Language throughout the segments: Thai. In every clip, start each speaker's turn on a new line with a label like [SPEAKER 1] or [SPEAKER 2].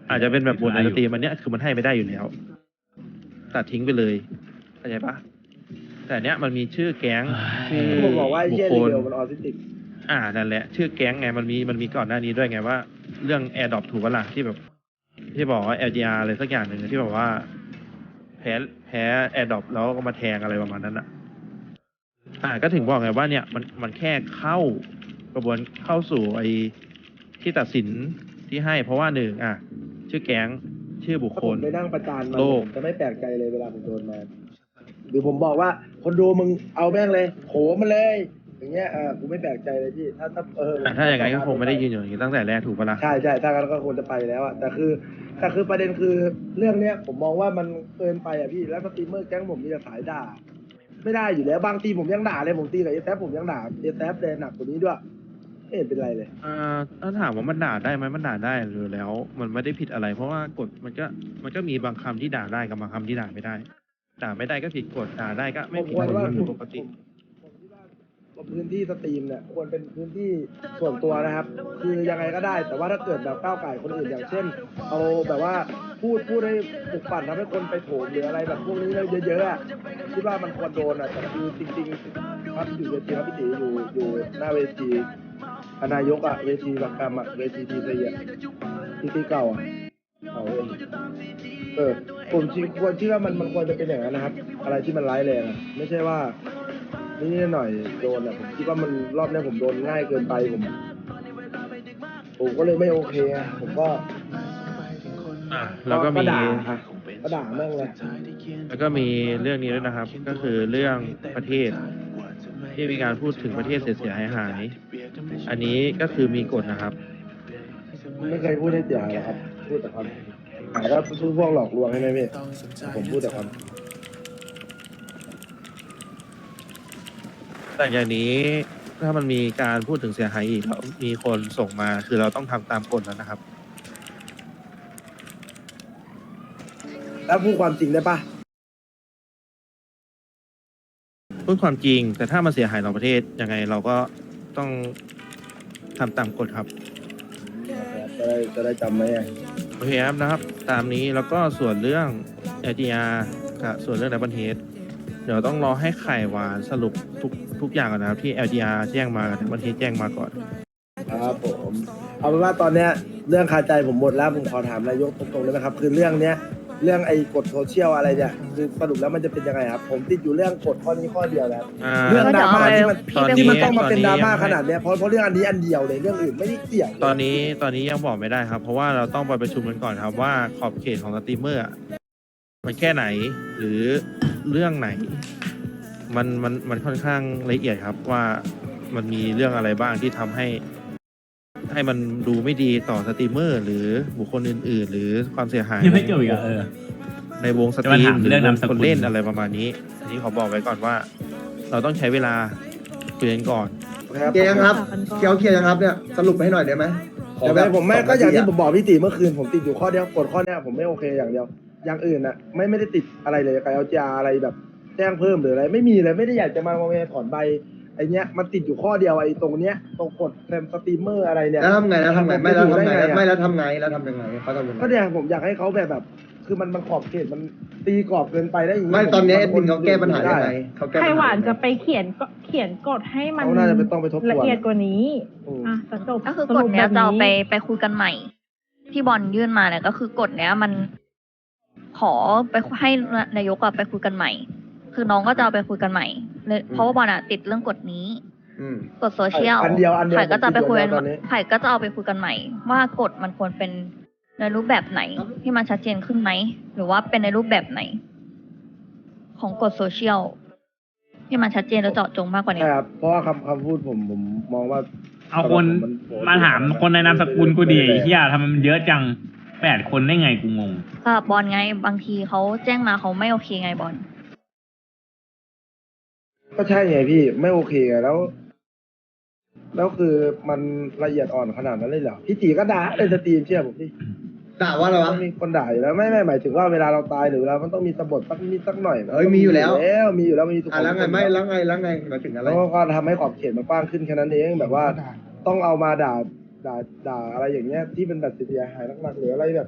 [SPEAKER 1] อาจจะเป็นแบบบนในสตรีมอันเนี้ยคือมันให้ไม่ได้อยู่แล้วตัดทิ้งไปเลยเข้าใจปะแต่เนี้ยมันมีชื่อแก๊งชื่อ
[SPEAKER 2] ผมบอกว่าไอ้
[SPEAKER 1] บุค
[SPEAKER 2] เชี่ย
[SPEAKER 1] ค
[SPEAKER 2] รี
[SPEAKER 1] ล
[SPEAKER 2] เบลมันออทิสติก
[SPEAKER 1] นั่นแหละชื่อแก๊งไงมันมีก่อนหน้านี้ด้วยไงว่าเรื่องแอร์ดรอปถูกปะล่ะที่แบบที่บอกว่า LGR อะไรสักอย่างหนึ่งที่บอกว่าแพ้แอร์ดรอปแล้วก็มาแทงอะไรประมาณนั้นก็ถึงบอกไงว่าเนี่ยมันแค่เข้ากระบวนเข้าสู่ไอ้ที่ตัดสินที่ให้เพราะว่าหนึ่งชื่อแก๊งชื่อบุค
[SPEAKER 2] ถ้า
[SPEAKER 1] ค
[SPEAKER 2] ผม
[SPEAKER 1] ล
[SPEAKER 2] ไปนั่งประจานมัน
[SPEAKER 1] โลก
[SPEAKER 2] ผมจะไม่แปลกใจเลยเวลาผมโดนมาหรือผมบอกว่าคนดูมึงเอาแม่งเลยโหมันเลย อย่างเงี้ยกูไม่แปลกใจเลยพี่ถ้า
[SPEAKER 1] ถ้าอย่างนั้นก็คงไม่ได้ยืนอยู่อย่างนี้ตั้งแต่แรกถูกปะล่ะ
[SPEAKER 2] ใช่ถ้างั้นก็ควรจะไปแล้วแต่คือประเด็นคือเรื่องเนี้ยผมมองว่ามันเกินไปพี่แล้วสตรีมเมอร์แก๊งผมมีแต่สายด่าไม่ได้อยู่แล้วบางทีผมยังด่าเลยผมตีกับเอแซผมยังด่าเอแซเลยหนักกว่านี้ด้วยไม่เห็นเป็นไรเลย
[SPEAKER 1] ถ้าถามว่ามันด่าได้ไหมมันด่าได้หรือแล้ว มันไม่ได้ผิดอะไร เพราะว่ากฎมันก็มีบางคำที่ด่าได้กับบางคำที่ด่าไม่ได้ ด่าไม่ได้ก็ผิดกฎด่าได้ก็ไม่ผิดกฎมันเป็นปกติ
[SPEAKER 2] พื้นที่สตรีมเนี่ยควรเป็นพื้นที่ส่วนตัวนะครับ คือยังไงก็ได้ แต่ว่าถ้าเกิดแบบก้าวไก่คนอื่นอย่างเช่น เอาแบบว่าพูดให้ปลุกปั่นทำให้คนไปโถมหรืออะไรแบบพวกนี้เยอะๆอ่ะคิดว่ามันควรโดนแต่คือจริงๆครับอยู่เวทีครับพี่ตีอยู่หน้าเวทีนายกเวทีบักกรรมเวทีทีซีทีเก่าเอาเองผมควรคิดว่ามันควรจะเป็นอย่างนั้นนะครับ อะไรที่มันร้ายแรงไม่ใช่ว่านี่หน่อยโดนผมคิดว่ามันรอบนี้ผมโดนง่ายเกินไปผมก็เลยไม่โอเคผมก็
[SPEAKER 1] แล้วก็มี
[SPEAKER 2] ก็ด่าแม่งเลย
[SPEAKER 1] แล้วก็มีเรื่องนี้ด้วยนะครับ ก็คือเรื่องประเทศ ที่มีการพูดถึงประเทศเสียหายๆอันนี้ก็คือมีกฎนะครับ
[SPEAKER 2] ไม่เคยพูดให้เสียหายหรอกครับ พูดแต่ความหายก็พูดพวกหลอกลวงใช่ไหมพี่ผมพูดแต่ความ
[SPEAKER 1] แต่อย่างนี้ถ้ามันมีการพูดถึงเสียหายอีกแล้วมีคนส่งมาคือเราต้องทำตามกฎแล้วนะครับ
[SPEAKER 2] แล้วพูดความจริงได้ปะ
[SPEAKER 1] พูดความจริง แต่ถ้ามันเสียหายต่อประเทศยังไงเราก็ต้องทำตามกฎครับ
[SPEAKER 2] จะได้จำไหม
[SPEAKER 1] โอเคครับนะครับ ตามนี้แล้วก็ส่วนเรื่อง LGR กับส่วนเรื่อง Double Head เดี๋ยวต้องรอให้ไข่หวานสรุปทุกอย่างก่อนนะครับที่ LGR แจ้งมากับ Double Head แจ้งมาก่อน
[SPEAKER 2] ครับผมเอาเป็นว่าตอนเนี้ยเรื่องคาใจผมหมดแล้วผมขอถามนายกตรงๆเลยนะครับ คือเรื่องเนี้ยเรื่องไอ้กฎโซเชียลอะไรเนี่ยคือสรุปแล้วมันจะเป็นยังไงครับผมติดอยู่เรื่องกฎข้อนี้ข้อเดียวแล้วเรื่องดราม่าที่มันต้องมาเป็นดราม่าขนาดเนี้ยเพราะเรื่องอันนี้อันเดียวเลยเรื่องอื่นไม่ได้เกี่ยว
[SPEAKER 1] ตอนนี้ยังบอกไม่ได้ครับ เพราะว่าเราต้องไปประชุมกันก่อนครับว่าขอบเขตของสตรีมเมอร์มันแค่ไหนหรือเรื่องไหน มันค่อนข้างละเอียดครับว่ามันมีเรื่องอะไรบ้างที่ทำให้มันดูไม่ดีต่อสตรีมเมอร์หรือบุคคลอื่นๆ หรือความเสียหาย
[SPEAKER 3] ยังไม่เกี่ยวอีก
[SPEAKER 1] ในวงสตรี
[SPEAKER 3] จะ
[SPEAKER 1] ม
[SPEAKER 3] มาถาม
[SPEAKER 1] หรือ
[SPEAKER 3] เรื่อง
[SPEAKER 1] วง
[SPEAKER 3] นามสกุ
[SPEAKER 1] ค
[SPEAKER 3] ล
[SPEAKER 1] นเล่นอะไรประมาณนี้อันนี้ขอบอกไว้ก่อนว่า เราต้องใช้เวลาคุยกันก่อน
[SPEAKER 2] เคลียร์ยังครับเคลียร์ยังครับเนี่ยสรุปให้หน่อยได้ไหมแต่แบบผมไม่ก็อย่างที่ผมบอกพี่ตีเมื่อคืนผมติดอยู่ข้อเดียวกฎข้อเนี้ยผมไม่โอเคอย่างเดียวอย่างอื่นน่ะไม่ได้ติดอะไรเลยกับเอาจาอะไรแบบแจ้งเพิ่มหรืออะไรไม่มีเลยไม่ได้อยากจะมาถอนใบไอเนี้ยมันติดอยู่ข้อเดียวไอตรงเนี้ยตรงกดแซมสตรีมเมอร์อะไรเนี่ยแล้วทำไงไม่แล้วทำไงไม่แล้วทำไงแล้วทำยังไงเขาทำยังไงก็เนี่ยผมอยากให้เขาแบบคือมันขอบเขตมันตีกรอบเกินไปได้อย่างนี้ไม่ตอนนี้เอ็ดมินเขาแก้ปัญหาได้
[SPEAKER 4] ไข่หวานจะไปเขียนกฎให้มัน
[SPEAKER 2] เขาน่าจะต้องไปทบทวน
[SPEAKER 4] ละเอียดกว่านี้จะจบ
[SPEAKER 5] ก็คือกฎเนี้ยจะเอาไปคุยกันใหม่ ที่บอลยื่นมาเนี่ยก็คือกฎเนี้ยมันขอไปให้นายกไปคุยกันใหม่ คือน้องก็จะเอาไปคุยกันใหม่เพราะว่าบอลติดเรื่องกฎนี้กฎโซเชียลไผ่ก็จะไปคุยไผ่ก็จะเอาไปคุยกันใหม่ ว่ากฎมันควรเป็นในรูปแบบไหนที่มันชัดเจนขึ้นไหมหรือว่าเป็นในรูปแบบไหน ของกฎโซเชียลที่มันชัดเจนและเจาะจงมากกว่านี้
[SPEAKER 2] ใช่ครับเพราะว่าคำพูดผมมองว่า
[SPEAKER 3] เอาคนมาถามคนในนามสกุลกูดีเฮียทำไมมันเยอะจัง8 คนได้ไงกูงง
[SPEAKER 5] ก็บอลไงบางทีเขาแจ้งมาเขาไม่โอเคไงบอล
[SPEAKER 2] ก็ใช่ไงพี่ไม่โอเคไงแล้วคือมันละเอียดอ่อนขนาดนั้นเลยเหรอพี่ตีก็ด่าในสตรีมเชื่อผมพี่ด่าว่าอะไรวะมีคนด่าอยู่แล้วไม่หมายถึงว่าเวลาเราตายหรือเวลามันต้องมีสะบัดสักหน่อยมีอยู่แล้วมีอยู่แล้วมีทุกคนแล้วไงไม่แล้วไงหมายถึงอะไรแล้วก็ทำให้ขอบเขตมันกว้างขึ้นแค่นั้นเองแบบว่าต้องเอามาด่าอะไรอย่างเงี้ยที่เป็นแบบเสียหายมากๆหรืออะไรแบบ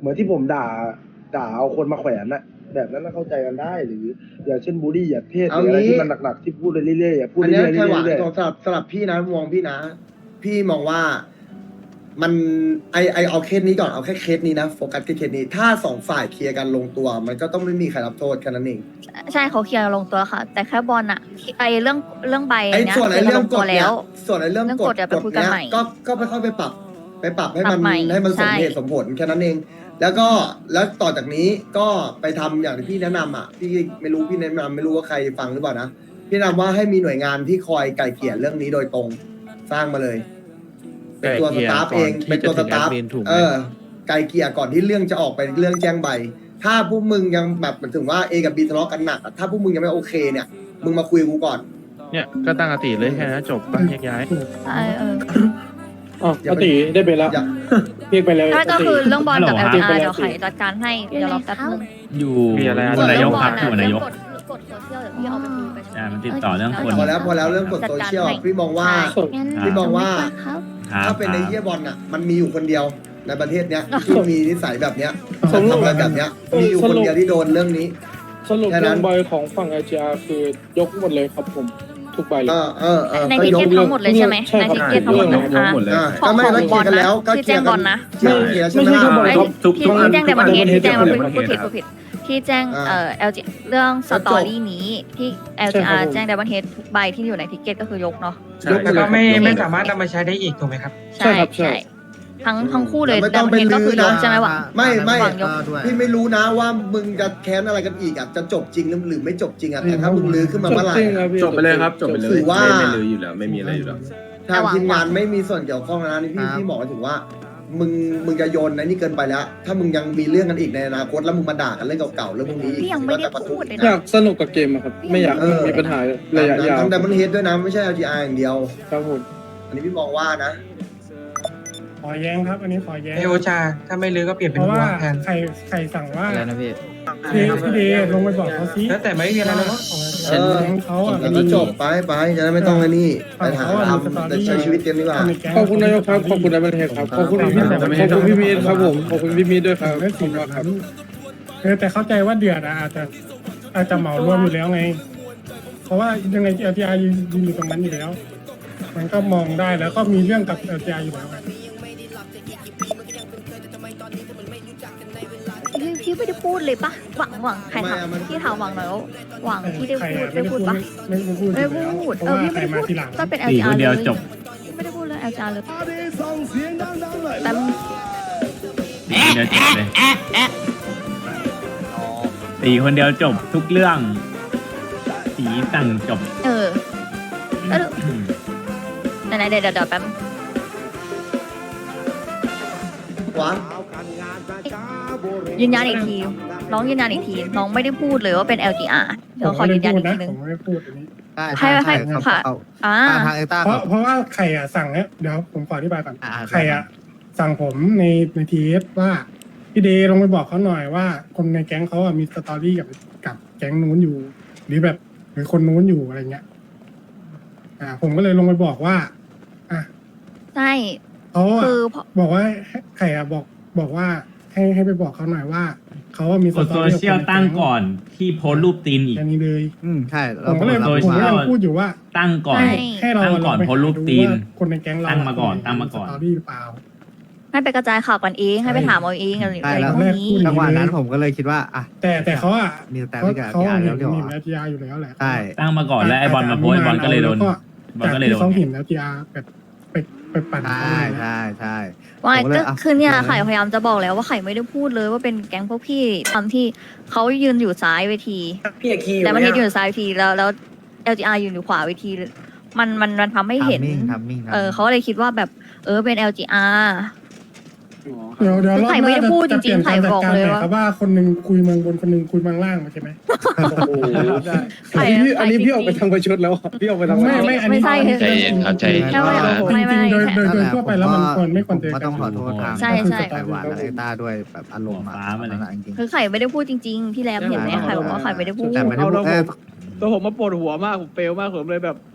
[SPEAKER 2] เหมือนที่ผมด่าเอาคนมาแขวนนะแบบนั้นน่ะเข้าใจกันได้หรืออย่างเช่นบูลลี่อย่าเทศหรืออะไรที่มันหนักๆที่พูดเรื่อยๆอย่าพูด
[SPEAKER 6] อัน
[SPEAKER 2] เรื่
[SPEAKER 6] เนี้
[SPEAKER 2] อย
[SPEAKER 6] ย
[SPEAKER 2] ๆ
[SPEAKER 6] แค่หวัง
[SPEAKER 2] เรื่อย
[SPEAKER 6] สำหรับพี่นะมองพี่นะ พี่มองว่ามันไอเอาเคสนี้ก่อนเอาแค่เคสนี้นะโฟกัสแค่เคสนี้ถ้าสองฝ่ายเคลียร์กันลงตัว มันก็ต้องไม่มีใครรับโทษแค่นั้นเอง
[SPEAKER 5] ใช่เขาเคลียร์ลงตัวค่ะ แต่แค่บอลอะไอเรื่องใบ
[SPEAKER 6] ไอ้
[SPEAKER 5] เนี้ย
[SPEAKER 6] ส่วนไอ้
[SPEAKER 5] เคลีย
[SPEAKER 6] เรื่
[SPEAKER 5] ร์
[SPEAKER 6] อง
[SPEAKER 5] ลง
[SPEAKER 6] ก
[SPEAKER 5] ตัว
[SPEAKER 6] ฎ
[SPEAKER 5] แล้
[SPEAKER 6] เนี่ยว ส่วนไอ้เรื่อง
[SPEAKER 5] เรื่อง
[SPEAKER 6] ก
[SPEAKER 5] ก
[SPEAKER 6] ฎ
[SPEAKER 5] ฎเดี๋ยวไปคุยกัน
[SPEAKER 6] เนี้ย
[SPEAKER 5] ใหม่
[SPEAKER 6] ก็ไปค่อยไปปรับให้
[SPEAKER 5] ปรั
[SPEAKER 6] มัน
[SPEAKER 5] บใหม่
[SPEAKER 6] ให้มันสม
[SPEAKER 5] ใช่
[SPEAKER 6] เหตุสมผลแค่นั้นเอง แล้วต่อจากนี้ก็ไปทำอย่างที่พี่แนะนำอ่ะพี่ไม่รู้พี่แนะนำไม่รู้ว่าใครฟังหรือเปล่านะพี่แนะนำว่าให้มีหน่วยงานที่คอยไก่เกลี่ยเรื่องนี้โดยตรงสร้างมาเลย เป็นตัวสตาฟเองเป็นตัวสตาฟ ไกลเกลี่ยก่อนที่เรื่องจะออกไปเรื่องแจ้งใบ ถ้าพวกมึงยังแบบหมายถึงว่า A กับ B ทะเลาะกันหนักอะถ้าพวกมึงยังไม่โอเคเนี่ย มึงมาคุยกับกูก่อน
[SPEAKER 1] เนี่ยก็ตั้งสติเลยแค่นั้นจบปะแยกย้าย
[SPEAKER 5] ใช่
[SPEAKER 2] อ๋อปกติได้ไปแล้ว
[SPEAKER 6] อย่า
[SPEAKER 2] เรียกไปแล้ว
[SPEAKER 5] ถ้าก็คือเรื่องบอลกับ
[SPEAKER 3] ฮั
[SPEAKER 5] LGR
[SPEAKER 3] ลโหลครับ
[SPEAKER 5] เดี๋ยวไขจัดการให้เดี๋ยวรอแป๊บนึง
[SPEAKER 3] อยู่
[SPEAKER 1] มีอะไร
[SPEAKER 3] บนนายกครับอยู่บนนายก
[SPEAKER 5] กดโซเชียลเดี๋ยวพี่เอาไปคุยไป
[SPEAKER 3] ใช่มันติดต่อเรื่องคน
[SPEAKER 6] พอแล้วเรื่องกฎโซเชียลพี่มองว่า
[SPEAKER 5] งั้น
[SPEAKER 6] พี่มองว่า
[SPEAKER 5] ครับ
[SPEAKER 6] ถ้าเป็นในเยี่ยบอลน่ะ มันมีอยู่คนเดียวในประเทศเนี้ยที่มีนิสัยแบบเนี้ยทำอะไรแบบเนี้ย มีอยู่คนเดียวที่โดนเรื่องนี้
[SPEAKER 7] สรุป
[SPEAKER 6] แค่นั้
[SPEAKER 7] เรื่อน งใบของฝั่ง LGR คือยกหมดเลยครับผมทุกใบเลย
[SPEAKER 5] ใน
[SPEAKER 6] ก็
[SPEAKER 5] ทิ
[SPEAKER 6] ย
[SPEAKER 5] เก็
[SPEAKER 6] ก
[SPEAKER 5] ตทั้งหมดเลยใช่ไหม
[SPEAKER 7] ใช่
[SPEAKER 5] ใน
[SPEAKER 7] ครับ
[SPEAKER 5] ทิเก็ตทั้งหมดเลย
[SPEAKER 7] ยกหมดเลย
[SPEAKER 5] ของ
[SPEAKER 6] ก็ไม่
[SPEAKER 5] ของ
[SPEAKER 6] ไม่
[SPEAKER 5] บอล
[SPEAKER 6] เคลียร์กันแล้
[SPEAKER 5] นะ
[SPEAKER 6] วก็
[SPEAKER 5] ที่
[SPEAKER 6] เคลี
[SPEAKER 5] แจ้
[SPEAKER 6] ย
[SPEAKER 5] ง
[SPEAKER 6] ร์
[SPEAKER 5] บ
[SPEAKER 6] กั
[SPEAKER 5] อล
[SPEAKER 6] น
[SPEAKER 5] นะ
[SPEAKER 6] เคลียร์ใช่ไหม
[SPEAKER 7] ไม่ใช่
[SPEAKER 6] ล่ะ
[SPEAKER 7] บอล
[SPEAKER 5] ที่แจ้งแต่ประเทศที่แจ้ง
[SPEAKER 7] ทุก
[SPEAKER 5] พูดผิดที่แจ้งLG เรื่องสตอรี่นี้ที่ LGR แจ้งแต่ประเทศทุกใบที่อยู่ในทิเก็ตก็คือยกเนาะ
[SPEAKER 7] ยกหม
[SPEAKER 8] แล้
[SPEAKER 7] ด
[SPEAKER 8] ว
[SPEAKER 7] เล
[SPEAKER 8] ก็
[SPEAKER 7] ย
[SPEAKER 8] ไม่สามารถนำมาใช้ได้อีกถูกไหมครับ
[SPEAKER 5] ใช่ใช่ทั้งคู่เลยแต่ประเทศก็คือยกใช่ไหมวะ
[SPEAKER 6] ไม่
[SPEAKER 5] วางยก
[SPEAKER 6] พี่ไม่รู้นะว่ามึงจะแค้นอะไรกันอีกอ่ะจะจบจริงหรือไม่จบจริงอ่ะแต่ถ้ามึงลื้อขึ้นมาเมื่อไหร่
[SPEAKER 7] จบไปเลยครับจบไปเลย
[SPEAKER 6] ถือว่า
[SPEAKER 7] ไม่เลยอยู่แล้วไม่มีอะไรอยู่แล้ว
[SPEAKER 6] ทางทีมงานไม่มีส่วนเกี่ยวข้องนะนี่พี่บอกถึงว่า มึงจะโยนนะนี่เกินไปแล้ว ถ้ามึงยังมีเรื่องกันอีกในอนาคตแล้วมึงมาด่ากันเรื่องเก่าๆเรื่องพวกนี้
[SPEAKER 5] พี่ยังไม่ได้พูดเลย
[SPEAKER 7] อยา
[SPEAKER 5] นะ
[SPEAKER 7] กสนุกกับเกมอะครับ ไม่อยากมีปัญหาระยะยาว
[SPEAKER 6] ทั้ง Diamond Head ด้วยนะไม่ใช่ LGR อย่างเดียว
[SPEAKER 7] ครับผม
[SPEAKER 6] อันนี้พี่มองว่านะ
[SPEAKER 9] ขอแย้งครับ อันนี้ขอแย้ง
[SPEAKER 8] ไอโอชา ถ้าไม่ลื้อก็เปลี่ยน
[SPEAKER 9] เพ
[SPEAKER 8] เป็น
[SPEAKER 9] ราะ
[SPEAKER 8] หั
[SPEAKER 9] ว่าว
[SPEAKER 8] แทน
[SPEAKER 9] ใครสั่งว่า
[SPEAKER 10] อะไรนะพี่
[SPEAKER 9] พี่เดย์ลงไปบอกเขาซิ
[SPEAKER 8] แล้วแต่ไม่มีอะไรแล้วเนาะ
[SPEAKER 6] เออ
[SPEAKER 9] แก๊งเขาอ่ะ
[SPEAKER 6] แล้วก็จบไปจะได้ไม่ต้องอันนี้ไปหาทำแต่ใช้ชีวิตเต็มดีกว่า
[SPEAKER 7] ขอบคุณนายกครับขอบคุณนายบันเทศครับขอบคุณพี่มีดครับผมขอบคุณพี่มีดด้วยครับ
[SPEAKER 9] ไม่
[SPEAKER 7] ขอบ
[SPEAKER 9] สิ
[SPEAKER 7] คุณมากครับ
[SPEAKER 9] แต่เข้าใจว่าเดือดอะอาจจะเหมารวมอยู่แล้วไง เพราะว่ายังไง LTR ยืนอยู่ตรงนั้นอยู่แล้ว มันก็มองได้แล้วก็มีเรื่องกับ LTR อยู่แล้วไง
[SPEAKER 5] พี่ไม่ได้พูดเลยปะหวังใครถามพี่ถามหวังหน่อยว่าหวังที่ได้พูดได้พูดปะ
[SPEAKER 9] ไม่ได้พูด
[SPEAKER 5] ไม่ได้พูด
[SPEAKER 9] เพราะว่า
[SPEAKER 5] พี่
[SPEAKER 9] ใคร
[SPEAKER 5] ไม่ได้
[SPEAKER 9] มา
[SPEAKER 5] พูด
[SPEAKER 9] ทีหลัง
[SPEAKER 5] ก็เป็น
[SPEAKER 3] ตี
[SPEAKER 5] LGR
[SPEAKER 3] คนเดียว
[SPEAKER 5] เลย
[SPEAKER 3] จบ
[SPEAKER 5] ไม่ได้พูดเรื่อง LGR เลยแต่
[SPEAKER 3] ตีคนเดียวจบเลยตีคนเดียวจบทุกเรื่องตีสั่งจบ
[SPEAKER 5] แล้วไหนๆเดี๋ยวแป๊บ
[SPEAKER 6] วะ
[SPEAKER 5] ยืนยันอีกทีน้องยืนยันอีกทีน้องไม่ได้พูดเลยว่าเป็น LGR เดี๋ยวขอยืนยันอีกทีนึง
[SPEAKER 9] ผมไม่ได้พูดอันนี้
[SPEAKER 5] ให้ค่ะ
[SPEAKER 10] ทางเอต้า
[SPEAKER 9] เพราะว่าใครอ่ะสั่งเนี่ยเดี๋ยวผมขออธิบายก่อน
[SPEAKER 10] อ่า
[SPEAKER 9] ใครอ่ะสั่งผมในทีเอสว่าพี่เดย์ลงไปบอกเขาหน่อยว่าคนในแก๊งเขาอ่ะมีสตอรี่กับแก๊งนู้นอยู่ หรือแบบหรือคนนู้นอยู่อะไรเงี้ยผมก็เลยลงไปบอกว่าอ่ะ
[SPEAKER 5] ใช่
[SPEAKER 9] เขาอ่ะ
[SPEAKER 5] คือ
[SPEAKER 9] บอกว่าใครอ่ะบอกว่าให้ไปบอกเขาหน่อยว่าเขาอ่ะมี
[SPEAKER 3] กดโซเชียลตั้งก่อนที่โพสต์รูปตีนอีก
[SPEAKER 9] แค่นี้เลย
[SPEAKER 10] ใช่
[SPEAKER 9] ผมก็เลย
[SPEAKER 3] โดย
[SPEAKER 9] ผมก็ยังพูดอยู่ว่า
[SPEAKER 3] ตั้งก่อน
[SPEAKER 9] ให้เรา
[SPEAKER 3] ตั้งก่อน
[SPEAKER 9] ลงไป
[SPEAKER 3] โพสต์รูปตีน
[SPEAKER 9] ดูว่าคนในแก๊งเรา
[SPEAKER 3] ตั้งมาก่อนตั้งมาก่อน
[SPEAKER 9] สตอรี่หรือเปล่า
[SPEAKER 5] ให้ไปกระจายข่าวกันเองให้ไปถามเอาเองอะไร
[SPEAKER 10] ใช่แล้ว
[SPEAKER 5] พวกนี้
[SPEAKER 10] จังหวะนั้นผมก็เลยคิดว่าอ่ะ
[SPEAKER 9] แต่เขาอ่ะ
[SPEAKER 10] มีแต่
[SPEAKER 9] เขา
[SPEAKER 10] ไม่กับ
[SPEAKER 9] เขา
[SPEAKER 10] ยา
[SPEAKER 9] เห็
[SPEAKER 10] แล้
[SPEAKER 9] น
[SPEAKER 10] วเดี๋ยว
[SPEAKER 9] เห็น LTR อยู่แล้วแหละ
[SPEAKER 10] ใช่
[SPEAKER 3] ตั้งมาก่อนแล้วไอ้บอลมาโพสต์ไอ้บอลก็เลยโดนบอล
[SPEAKER 9] จาก
[SPEAKER 3] ก็เลย
[SPEAKER 9] ที่
[SPEAKER 3] โดน
[SPEAKER 9] เขาเห็น LTR แบบไปปั่น
[SPEAKER 10] ใช่
[SPEAKER 9] เขาเลยนะ
[SPEAKER 10] ใช่ใช่
[SPEAKER 5] ว่า
[SPEAKER 10] ผมก็เลย
[SPEAKER 5] ก็
[SPEAKER 10] อ่ะ
[SPEAKER 5] คือเนี่ย
[SPEAKER 10] ลองนะ
[SPEAKER 5] ไข่พยายามจะบอกแล้วว่าไข่ไม่ได้พูดเลยว่าเป็นแก๊งพวกพี่ตอนที่เขายืนอยู่ซ้ายเวที
[SPEAKER 8] พี่อาคี
[SPEAKER 5] แต่มันยืนอยู่ซ้ายเวทีแล้ว LGR ยืนอยู่ขวาเวทีมันทำให้เห็น
[SPEAKER 10] ทำมิ่ง
[SPEAKER 5] เขาเลยคิดว่าแบบเป็น LGR
[SPEAKER 9] เดี๋ยวรอบ
[SPEAKER 5] ไข่
[SPEAKER 9] ห
[SPEAKER 5] ไม่
[SPEAKER 9] น้า
[SPEAKER 5] ได้พูด
[SPEAKER 9] จะเปลี่ยน
[SPEAKER 5] จริงๆไข่
[SPEAKER 9] การจัด
[SPEAKER 5] บอก
[SPEAKER 9] การ
[SPEAKER 5] เลย
[SPEAKER 9] ใหม่
[SPEAKER 5] ว่า
[SPEAKER 9] ครับว่าคนหนึ่งคุยเมืองบนคนหนึ่งคุยเมืองล่างใช่ไหม
[SPEAKER 5] ไข่
[SPEAKER 7] อันนี้พี่ออกไปทางประชดแล้วพี่ออกไปทาง
[SPEAKER 9] ไม่อันนี้
[SPEAKER 5] ไม่ใช่
[SPEAKER 9] ใจเย็นครับใจเย็น
[SPEAKER 5] แค่ว่าไม่
[SPEAKER 9] จริงๆโดยทั่วไปแล้วมันควรไม่ควรเจอ
[SPEAKER 10] ก็
[SPEAKER 9] กั
[SPEAKER 10] ต้
[SPEAKER 9] น
[SPEAKER 10] องขอโทษทาง
[SPEAKER 5] ใช่ใช่
[SPEAKER 10] ไต้หวันและเอต้าด้วยแบบอารมณ์อ่ะจริง
[SPEAKER 5] คือไข่ไม่ได้พูดจริงๆพี่แรมเห็นไหมไข่บอกว่าไข่ไม่ได้พูด
[SPEAKER 10] แต่ไม่ได้พูด
[SPEAKER 7] ตัวผมมาปวดหัวมากผมเฟลมากผมเลยแบบ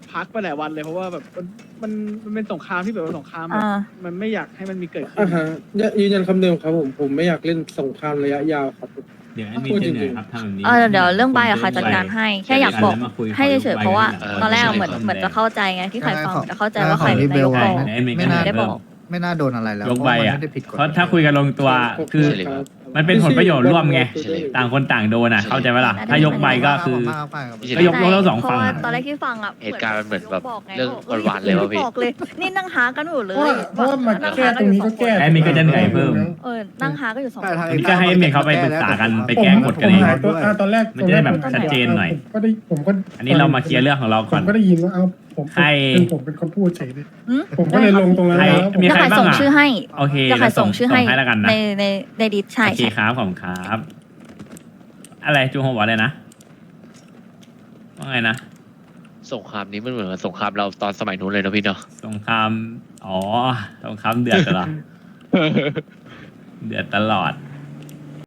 [SPEAKER 7] พักไปหลายวันเลยเพราะว่าแบบมันเป็นสงครามที่แบบว่าสงครามแบบ
[SPEAKER 5] อ่า
[SPEAKER 7] มันไม่อยากให้มันมีเกิดขึ้น
[SPEAKER 2] อ่าฮะยืนยันคำเดิมครับผมไม่อยากเล่นสงครามระยะยาวครับ
[SPEAKER 3] เดี๋ยวมีจะเหนื่อยครับทำแบบนี้
[SPEAKER 5] เดี๋ยวเรื่องใบอะค่ะจัดการให้แค่อยากบอกให้เฉยๆเพราะว่าตอนแรกอะเหมือนจะเข้าใจไงที่ใครฟังจะเข้าใจว่าใครเป็นนายกบอก
[SPEAKER 10] ไม่น่า
[SPEAKER 5] ได้บอก
[SPEAKER 10] ไม่น่าโดนอะไรแล้ว
[SPEAKER 3] ยกใบอ่ะ
[SPEAKER 10] เพราะมันไม่ได้ผิดกฎ
[SPEAKER 3] เพราะถ้าคุยกันลงตัวคือ มันเป็นผลประโยชน์ร่วมไง ต่างคนต่างโดนอ่ะ เข้าใจไหมล่ะ ถ้ายกใบก็คือ ก็ยกทั้งสองฝั่ง
[SPEAKER 5] เพราะว่า
[SPEAKER 3] อะ
[SPEAKER 5] ตอนแรกที่ฟังอ่ะ
[SPEAKER 11] เหตุการณ์มันเหมือนแบบ
[SPEAKER 5] บอกไง
[SPEAKER 11] เรื่องหวานๆเลยว่ะพี่
[SPEAKER 5] บอกเลยนี่นั่งหากันอยู่เล
[SPEAKER 9] เพราะ
[SPEAKER 5] ย
[SPEAKER 9] ว่ามาแก้ตรงนี้ก็แก้
[SPEAKER 3] แอดมินก็จะเหนื่อยเพิ่ม
[SPEAKER 5] นั่งหาก็อยู่สอง
[SPEAKER 10] ใช่
[SPEAKER 5] คน
[SPEAKER 10] ทาง
[SPEAKER 3] อันนี้ก็ให้เมย์เขาไปปรึกษากันไปแก้กฎกัน
[SPEAKER 9] ผม
[SPEAKER 3] เอง
[SPEAKER 9] หายตัวตอนแรก
[SPEAKER 3] มันจะได้แบบชัดเจนหน่อย
[SPEAKER 9] ผมก็
[SPEAKER 3] อันนี้เรามาเคลียร์เรื่องของเรา
[SPEAKER 9] ผ
[SPEAKER 3] ก่อ
[SPEAKER 9] ม
[SPEAKER 3] น
[SPEAKER 9] ก็ได้ยินว่าผม
[SPEAKER 3] ใคร
[SPEAKER 9] ผมเป็นคนพูดเฉยเลย
[SPEAKER 5] หืม
[SPEAKER 9] ผมก็เลยลงตรงนั้น
[SPEAKER 3] ใคร
[SPEAKER 9] แล้วผม
[SPEAKER 3] มี
[SPEAKER 5] จะ
[SPEAKER 3] ใคร
[SPEAKER 5] ขาย
[SPEAKER 3] บ้าง
[SPEAKER 5] ส่ง
[SPEAKER 3] อ่ะ
[SPEAKER 5] ชื่อให้
[SPEAKER 3] โอเค
[SPEAKER 5] จะขายส่งชื่อให้
[SPEAKER 3] ส่งให้แล้วกันนะ
[SPEAKER 5] ในดิสใช่
[SPEAKER 3] โอเค
[SPEAKER 5] ใช่
[SPEAKER 3] ครับผมครับ อะไรจูโฮบอกอะไรนะว่าไงนะ
[SPEAKER 11] สงครามนี้มันเหมือนกับสงครามเราตอนสมัยนู้นเลยนะพี่เนาะ
[SPEAKER 3] สงคราม อ๋อ สงครามเดือดเหรอ เดือดตลอด